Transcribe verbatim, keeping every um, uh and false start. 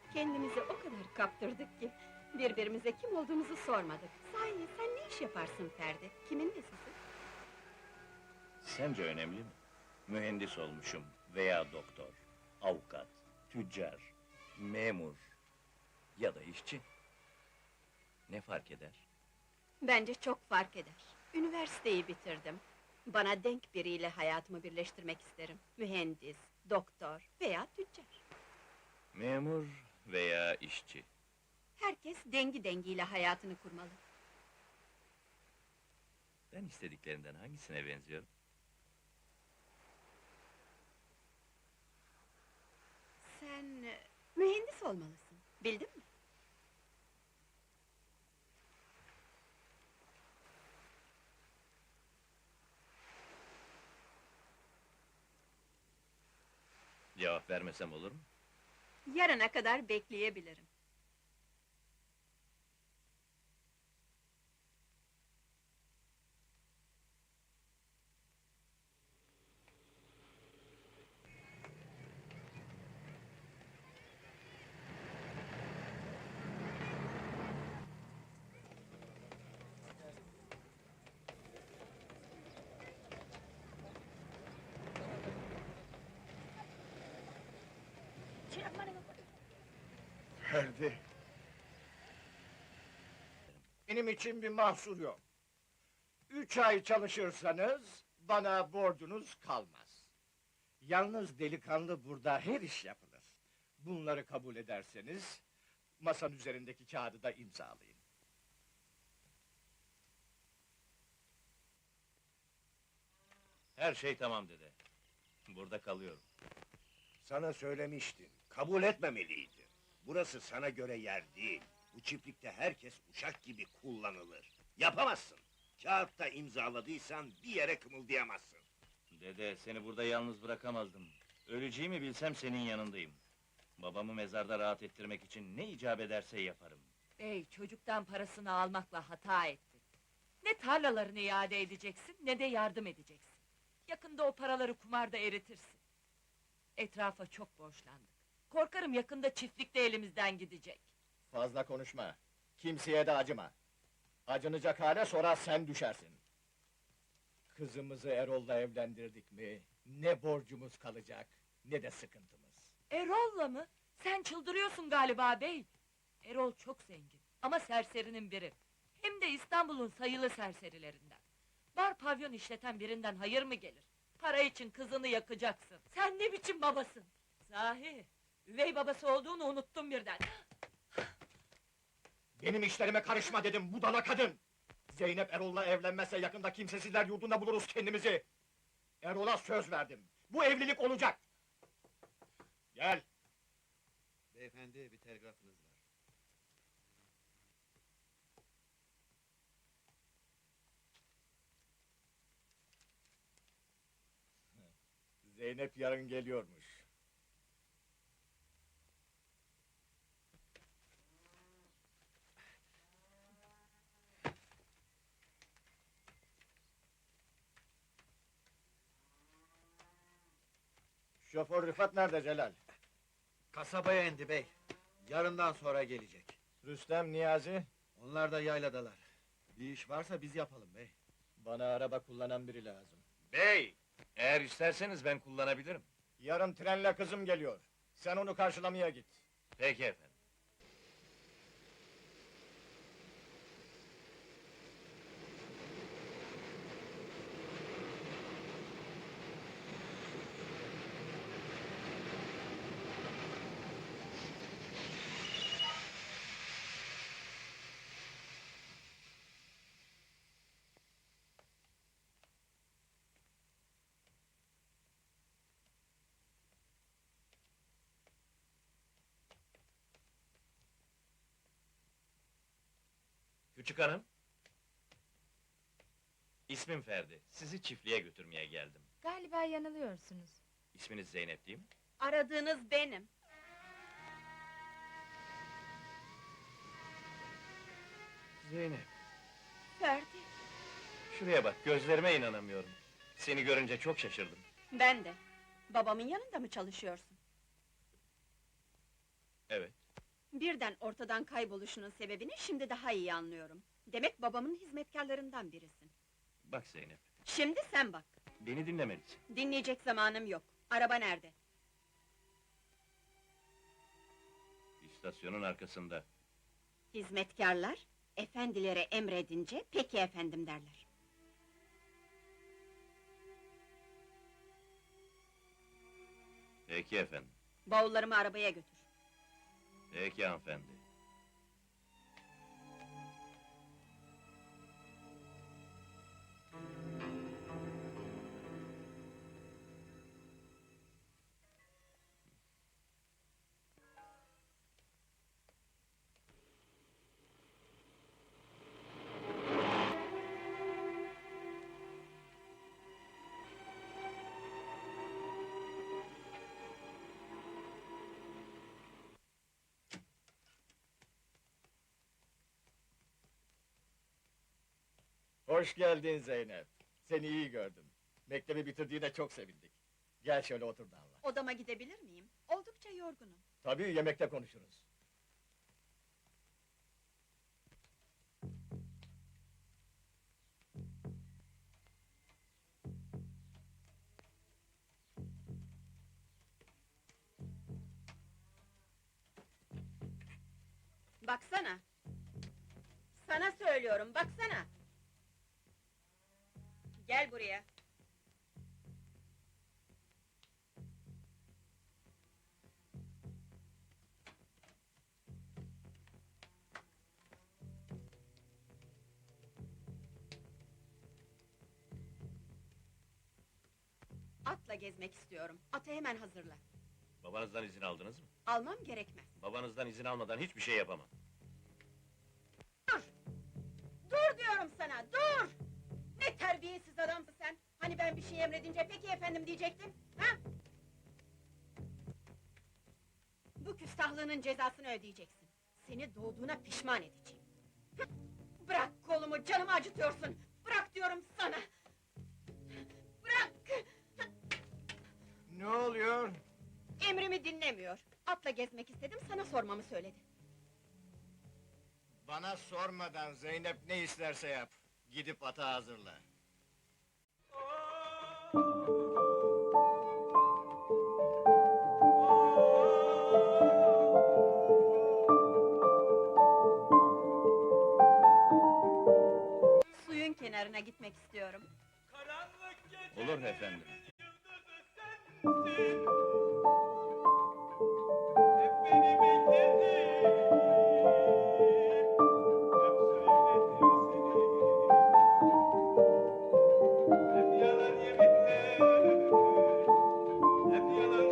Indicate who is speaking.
Speaker 1: Kendimizi o kadar kaptırdık ki... ...birbirimize kim olduğumuzu sormadık. Sahi sen ne iş yaparsın Ferdi? Kimin nesisin?
Speaker 2: Sence önemli mi? Mühendis olmuşum veya doktor, avukat, tüccar, memur ya da işçi. Ne fark eder?
Speaker 1: Bence çok fark eder. Üniversiteyi bitirdim. Bana denk biriyle hayatımı birleştirmek isterim. Mühendis, doktor veya tüccar.
Speaker 2: Memur veya işçi.
Speaker 1: Herkes dengi dengiyle hayatını kurmalı.
Speaker 2: Ben istediklerinden hangisine benziyorum?
Speaker 1: Sen e, mühendis olmalısın. Bildin mi?
Speaker 2: Cevap vermesem olur mu?
Speaker 1: Yarına kadar bekleyebilirim.
Speaker 3: Ferdi. Benim için bir mahsur yok. Üç ay çalışırsanız, bana borcunuz kalmaz. Yalnız delikanlı burada her iş yapılır. Bunları kabul ederseniz, masanın üzerindeki kağıdı da imzalayın.
Speaker 2: Her şey tamam dede. Burada kalıyorum.
Speaker 4: Sana söylemiştim, kabul etmemeliydin. Burası sana göre yer değil. Bu çiftlikte herkes uşak gibi kullanılır. Yapamazsın. Kağıtta imzaladıysan bir yere kımıldayamazsın.
Speaker 2: Dede, seni burada yalnız bırakamazdım. Öleceğimi bilsem senin yanındayım. Babamı mezarda rahat ettirmek için ne icap ederse yaparım.
Speaker 5: Bey, çocuktan parasını almakla hata ettin. Ne tarlalarını iade edeceksin, ne de yardım edeceksin. Yakında o paraları kumarda eritirsin. Etrafa çok borçlandık. Korkarım yakında çiftlik de elimizden gidecek.
Speaker 3: Fazla konuşma, kimseye de acıma. Acınacak hale sonra sen düşersin. Kızımızı Erol'la evlendirdik mi, ne borcumuz kalacak, ne de sıkıntımız.
Speaker 5: Erol'la mı? Sen çıldırıyorsun galiba bey! Erol çok zengin, ama serserinin biri. Hem de İstanbul'un sayılı serserilerinden. Bar pavyon işleten birinden hayır mı gelir? Para için kızını yakacaksın. Sen ne biçim babasın? Sahi, üvey babası olduğunu unuttum birden.
Speaker 3: Benim işlerime karışma dedim, budala kadın! Zeynep Erol'la evlenmezse yakında kimsesizler yurdunda buluruz kendimizi! Erol'a söz verdim, bu evlilik olacak! Gel!
Speaker 6: Beyefendi, bir telgrafınız var.
Speaker 3: Zeynep yarın geliyormuş. Şoför Rıfat nerede Celal?
Speaker 6: Kasabaya indi bey. Yarından sonra gelecek.
Speaker 3: Rüstem, Niyazi?
Speaker 6: Onlar da yayladalar. Bir iş varsa biz yapalım bey.
Speaker 3: Bana araba kullanan biri lazım.
Speaker 2: Bey! Eğer isterseniz ben kullanabilirim.
Speaker 3: Yarın trenle kızım geliyor. Sen onu karşılamaya git.
Speaker 2: Peki efendim. Küçük hanım. İsmim Ferdi. Sizi çiftliğe götürmeye geldim.
Speaker 7: Galiba yanılıyorsunuz.
Speaker 2: İsminiz Zeynep değil mi?
Speaker 1: Aradığınız benim.
Speaker 2: Zeynep.
Speaker 1: Ferdi,
Speaker 2: Şuraya bak, gözlerime inanamıyorum. Seni görünce çok şaşırdım.
Speaker 1: ben de. Babamın yanında mı çalışıyorsun?
Speaker 2: Evet.
Speaker 1: Birden ortadan kayboluşunun sebebini şimdi daha iyi anlıyorum. Demek babamın hizmetkarlarından birisin.
Speaker 2: Bak Zeynep,
Speaker 1: Şimdi sen bak.
Speaker 2: beni dinlemelisin.
Speaker 1: Dinleyecek zamanım yok. Araba nerede?
Speaker 2: İstasyonun arkasında.
Speaker 1: Hizmetkarlar, efendilere emredince peki efendim derler.
Speaker 2: Peki efendim.
Speaker 1: Bavullarımı arabaya götür.
Speaker 2: Peki hanımefendi.
Speaker 3: Hoş geldin Zeynep. Seni iyi gördüm. Mektebi bitirdiğine çok sevindik. Gel şöyle otur da anlat.
Speaker 1: Odama gidebilir miyim? Oldukça yorgunum.
Speaker 3: Tabii yemekte konuşuruz.
Speaker 1: Baksana! Sana söylüyorum, baksana! Gel buraya! Atla gezmek istiyorum. Atı hemen hazırla.
Speaker 2: Babanızdan izin aldınız mı?
Speaker 1: Almam gerekmez.
Speaker 2: Babanızdan izin almadan hiçbir şey yapamam.
Speaker 1: Dur! Dur diyorum sana, dur! Ne terbiyesiz adamsın sen! Hani ben bir şey emredince peki efendim diyecektin, ha? Bu küstahlığının cezasını ödeyeceksin. Seni doğduğuna pişman edeceğim. Hıh! Bırak kolumu, canımı acıtıyorsun! Bırak diyorum sana! Bırak!
Speaker 3: Ne oluyor?
Speaker 1: Emrimi dinlemiyor. Atla gezmek istedim, sana sormamı söyledi.
Speaker 3: Bana sormadan Zeynep ne isterse yap. Gidip ata hazırla.
Speaker 1: Suyun kenarına gitmek istiyorum.
Speaker 2: Olur efendim.
Speaker 8: Hep yalan